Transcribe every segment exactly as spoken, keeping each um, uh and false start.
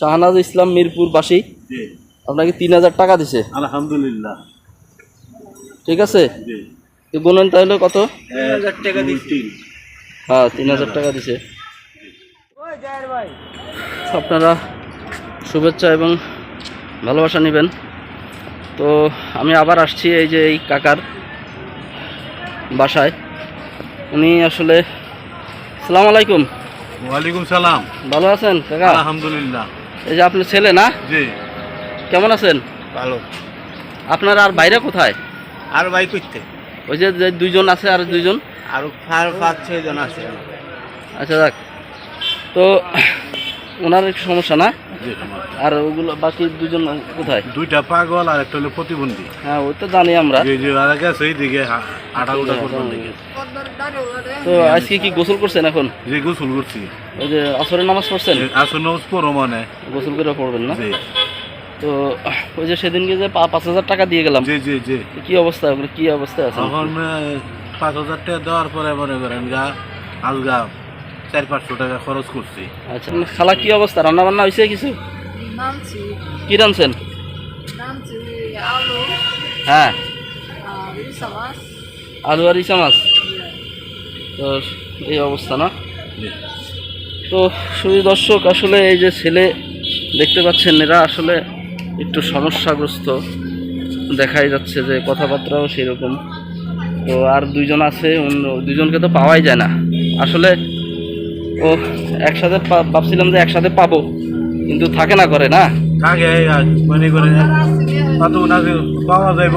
শাহনাজ ইসলাম মিরপুর বাসী আপনাকে তিন হাজার টাকা দিছে। আলহামদুলিল্লাহ। ঠিক আছে, গুনেন তাহলে কত? হাজার টাকা দিচ্ছি। হ্যাঁ, তিন হাজার টাকা দিছে। আপনারা শুভেচ্ছা এবং ভালোবাসা নেবেন। তো আমি আবার আসছি এই যে এই কাকার বাসায়। উনি আসলে, আসসালামু আলাইকুম। ওয়ালাইকুম সালাম। ভালো আছেন কাকা? আলহামদুলিল্লাহ। এই যে আপনার ছেলে না? জি। কেমন আছেন? ভালো। আপনার আর বাইরে কোথায়? আর ভাই করতে ওই যে যে দুইজন আছে, আর দুইজন আর পাঁচ ছয় জন আছে। আচ্ছা যাক, তো ওনার একটু সমস্যা না? আর ওগুলো বাকি দুজন কোথায়? দুইটা পাগল আর একটা হলো প্রতিবন্ধী। হ্যাঁ, ওই তো জানি আমরা। তো আজকে কি গোসল করছেন এখন? যে গোসল করছি। ওই যে আসরের নামাজ পড়ছেন? আসরের নামাজ পড়ো মানে গোসল করে পড়বেন না? তো ওই যে সেদিনকে যে পাঁচ হাজার টাকা দিয়ে গেলাম, জি জি জি, কি অবস্থা, ওগুলো কি অবস্থায় আছে এখন? পাঁচ হাজার টাকা দেওয়ার পরে মনে করেন গা আলগা চার পাঁচশো টাকা খরচ করছি। আচ্ছা, খালা কি অবস্থা? রান্না বান্না হয়েছে কিছু? কি রাঁধছেন? হ্যাঁ, আলু আর ইসা মাছ। তো এই অবস্থা না? তো শুধু দর্শক, আসলে এই যে ছেলে দেখতে পাচ্ছেন, এরা আসলে একটু সমস্যাগ্রস্ত দেখাই যাচ্ছে, যে কথাবার্তাও সেরকম। তো আর দুইজন আছে, অন্য দুইজনকে তো পাওয়াই যায় না আসলে। ও একসাথে ভাবছিলাম যে একসাথে পাবো, কিন্তু থাকে না, করে না থাকে মনে করে পাওয়া যাইব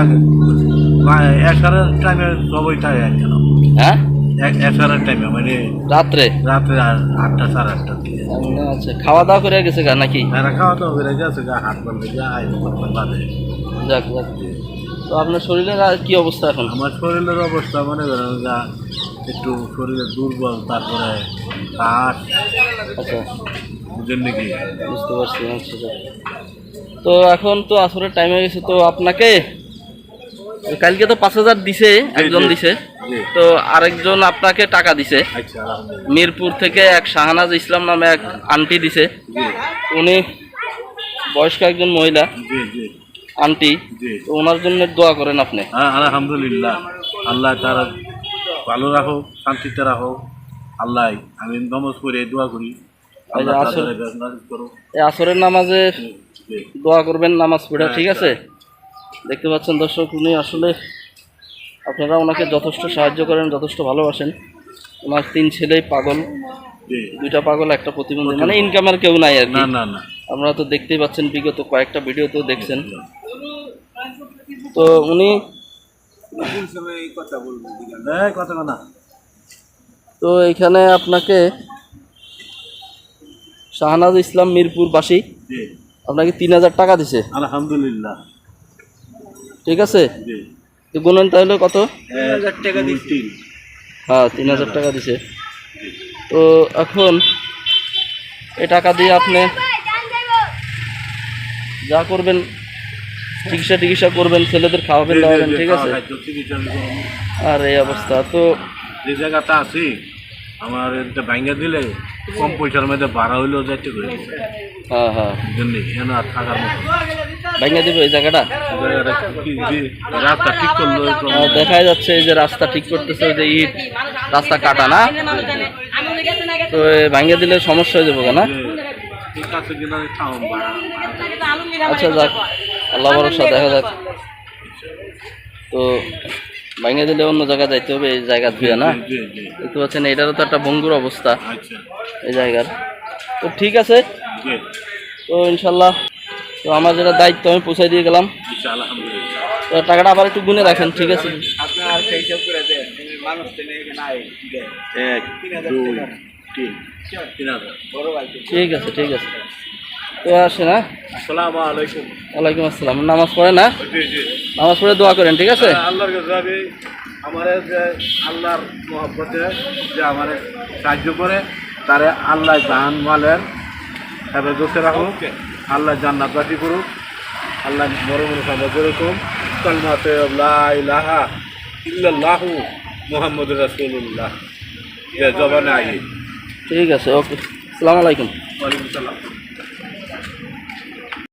একসাথে টাইমে সবই থাকে। হ্যাঁ, একসাথে টাইমে মানে রাত্রে রাত্রে আটটা সাড়ে আটটা। আচ্ছা, খাওয়া দাওয়া করে গেছে গা নাকি? খাওয়া দাওয়া করে গেছে গা, হাট বলতে যাই বাদে। যাক যাক। তো আপনার শরীরের আর কি অবস্থা এখন? আমার শরীরের অবস্থা মনে করেন যা একটু শরীরে দুর্বল, তারপরে কাঠ। আচ্ছা, বুঝেন নাকি? বুঝতে পারছি। আচ্ছা, তো এখন তো আসরের টাইম হয়ে গেছে, তো আপনাকে কালকে তো পাঁচ হাজার দিছে, একজন দিছে, তো আরেকজন আপনাকে টাকা দিছে। মিরপুর থেকে এক শাহনাজ ইসলাম নামে এক আন্টি দিছে। উনি বয়স্ক একজন মহিলা আন্টি, তো ওনার জন্য দোয়া করেন আপনি। আলহামদুলিল্লাহ, আল্লাহ তারা ভালো রাখো, শান্তিতে রাখো। আল্লাহ, আমি নমাজ পড়ে দোয়া করি। এই আসরের নামাজে দোয়া করবেন নামাজ পড়ে, ঠিক আছে? দেখতে পাচ্ছেন দর্শক, উনি আসলে, আপনারা ওনাকে যথেষ্ট সাহায্য করেন, যথেষ্ট ভালোবাসেন। ওনার তিন ছেলেই পাগল, দুইটা পাগল, একটা প্রতিবন্ধী, মানে ইনকামের কেউ নাই আর কি। আপনারা তো দেখতেই পাচ্ছেন, বিগত কয়েকটা ভিডিও তো দেখছেন। তো উনি তো এখানে আপনাকে শাহনাজ ইসলাম মিরপুর বাসী আপনাকে তিন হাজার টাকা দিছে। আলহামদুলিল্লাহ। ঠিক আছে, তো গুনেন তাহলে কত? হাজার টাকা দিচ্ছি। হ্যাঁ, তিন হাজার টাকা দিছে। তো এখন এই টাকা দিয়ে আপনি যা করবেন, চিকিৎসা টিকিৎসা করবেন, ছেলেদের খাওয়াবেন দাওয়াবেন, ঠিক আছে? আর এই অবস্থা তো যে জায়গাটা আছি, আমার এটা ভাঙ্গা দিলে কম পয়সার মধ্যে ভাড়া হইলেও যাইতে করে। হ্যাঁ হ্যাঁ, আর থাকার মতো ভাঙ্গা দিবে এই জায়গাটা। রাস্তা ঠিক করলো, দেখা যাচ্ছে এই যে রাস্তা ঠিক করতেছে, ওই যে ইট রাস্তা কাটা না, তো ভাঙ্গা দিলে সমস্যা হয়ে যাবো না? আচ্ছা যাক, আল্লাহ ভরসা, দেখা যাক। তো ভাঙে দিলে অন্য জায়গায় যাইতে হবে, এই জায়গা ধুয়ে না? দেখতে পাচ্ছেন, এটারও তো একটা ভঙ্গুর অবস্থা এই জায়গার। তো ঠিক আছে, তো ইনশাল্লাহ, তো আমার যেটা দায়িত্ব আমি পৌঁছাই দিয়ে গেলাম। তো টাকাটা আবার একটু গুনে রাখেন, ঠিক আছে? ঠিক আছে, ঠিক আছে। তো আসে না? আসসালামু আলাইকুম। ওয়ালাইকুম আসসালাম। নামাজ পড়ে না? নামাজ পড়ে দোয়া করেন, ঠিক আছে? আল্লাহর কাছে আমি আমার যে আল্লাহর মহব্বতে যে আমার সাহায্য করে, তারে আল্লাহ জান মালের হেফাজতে রাখুক, আল্লাহ জান্নাতবাসী করুক, আল্লাহ বড় বড় সাহায্য করুক। কালিমাতে লা ইলাহা ইল্লাল্লাহু মুহাম্মাদুর রাসূলুল্লাহ জবানে আগে। ঠিক আছে, ওকে, আসসালামু আলাইকুম। ওয়ালাইকুম সালাম।